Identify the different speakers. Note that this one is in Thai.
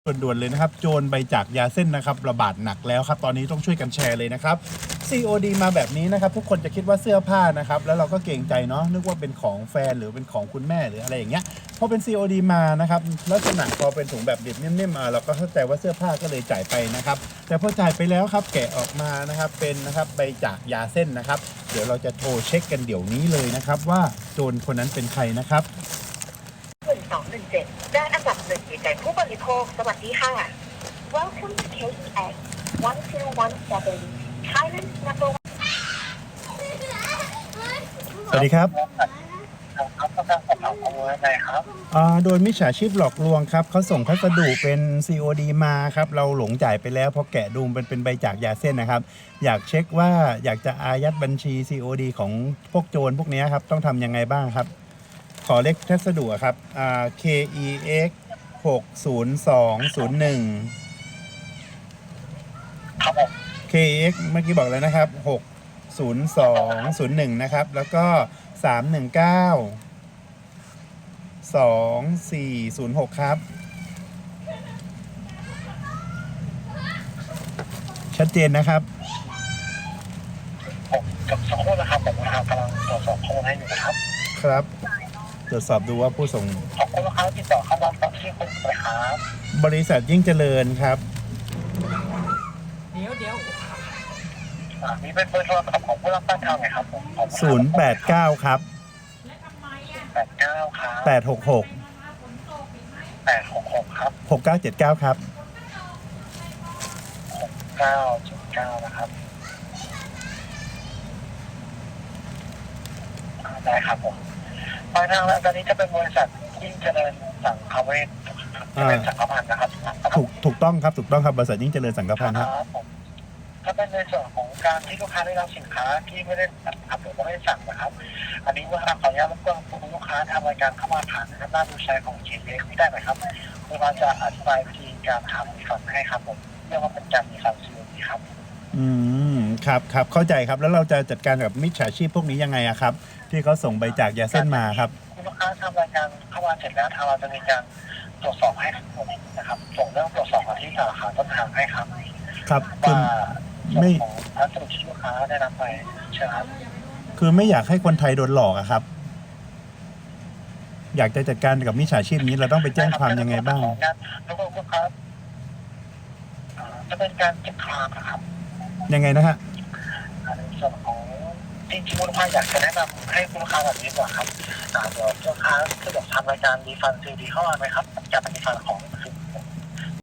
Speaker 1: ด่วนๆเลยนะครับโจรใบจากยาเส้นนะครับระบาดหนักแล้วครับตอนนี้ต้องช่วยกันแชร์เลยนะครับ COD มาแบบนี้นะครับทุกคนจะคิดว่าเสื้อผ้านะครับแล้วเราก็เกรงใจเนาะนึกว่าเป็นของแฟนหรือเป็นของคุณแม่หรืออะไรอย่างเงี้ยพอเป็น COD มานะครับลักษณะพอเป็นถุงแบบดิบนิ่มๆเราก็เข้าใจว่าเสื้อผ้าก็เลยจ่ายไปนะครับแต่พอจ่ายไปแล้วครับแกะออกมานะครับเป็นนะครับใบจากยาเส้นนะครับเดี๋ยวเราจะโทรเช็คกันเดี๋ยวนี้เลยนะครับว่าโจรคนนั้นเป็นใครนะครับ
Speaker 2: 1217ด้านอันดับหนึ่งใจผู้บริโภคสวัสดีค่ะ Welcome to KEX 1017 Thailand number
Speaker 1: สวัสดีครับ
Speaker 3: ครับต้องการสอบถามข้อมูลอะไรครับ
Speaker 1: โดยมิจฉาชีพหลอกลวงครับเขาส่งพัสดุเป็น COD มาครับเราหลงจ่ายไปแล้วพอแกะดูมันเป็นใบจากยาเส้นนะครับอยากเช็คว่าอยากจะอายัดบัญชี COD ของพวกโจรพวกนี้ครับต้องทำยังไงบ้างครับขอเลขพัสดุครับKEX 60201
Speaker 3: ครับผม
Speaker 1: KEX เมื่อกี้บอกแล้วนะครับ60201นะครับแล้วก็319 2406ครับชัดเจนนะครับ
Speaker 3: ผมกับสักครู่นะครับผมนะครับกำลังตรวจสอบข้อมูลให้อยู่นะครับ
Speaker 1: ครับตรวจสอบดูว่าผู้ส่ง
Speaker 3: ขอบคุณนะครับติดต่อเข้ามาตามที่คุณเลยครับ
Speaker 1: บริษัทยิ่งเจริญครับ
Speaker 4: เดี๋ยว
Speaker 3: มีเป็นเบอร์โทรศัพท์ของผู้รับตั้งทางไหนครับผม
Speaker 1: 089ครับ
Speaker 3: 89ครับ
Speaker 1: 866
Speaker 3: 866ครับ
Speaker 1: 6979ครับ
Speaker 3: 979นะครับได้ครับผมปลายทางแล้วตอนนี้จะเป็นบริษัทยิ่งเจริญสังคเวชเป็นสังฆพันธ์นะครับ
Speaker 1: ถูกต้องครับถูกต้องครับบริษัทยิ่งเจริญสังฆพันธ์ครับ
Speaker 3: ผมถ้าเป็นในส่วนของการที่ลูกค้าได้รับสินค้าที่ไม่ได้สั่งหรือไม่ได้สั่งนะครับ อันนี้ว่าขออนุญาตรบกวนคุณลูกค้าทำรายการเข้ามาผ่านหน้าดูใช้ของ GPX ไม่ได้ไหมครับคุณเราจะอธิบายวิธีการทำรีฟันให้ครับผมเรียกว่าเป็นการรีฟันซีโอดีครับ
Speaker 1: ครับเข้าใจครับแล้วเราจะจัดการกับมิจฉาชีพพวกนี้ยังไงอะครับที่เขาส่งใบจากยาเส้นมาครับ
Speaker 3: คุณลูกค้าทำรายการเข้ามาเสร็จแล้วทางเราจะมีการตรวจสอบให้ทั้งหมดนะครับส่งเรื่องตรวจสอบมาที่สาขาต้นทางให้ครับ
Speaker 1: ครับ
Speaker 3: ว่าไม่พัสดุที่ลูกค้าได้รับไปใช่ครับ
Speaker 1: คือไม่อยากให้คนไทยโดนหลอกอะครับ อยากจะจัดการกับมิจฉาชีพนี้เราต้องไปแจ้งความยังไงบ้าง
Speaker 3: แล้วก็ลูกค้าจะเป็นการเก็บความนะครับ
Speaker 1: ยังไงนะฮะ
Speaker 3: ในส่วนของจริงๆคุณลูกค้าอยากจะแนะนำให้คุณลูกค้าแบบนี้ก่อนครับเดี๋ยวลูกค้าสะดวกทำรายการรีฟันซีดีเข้ามาไหมครับจะเป็นรีฟันของ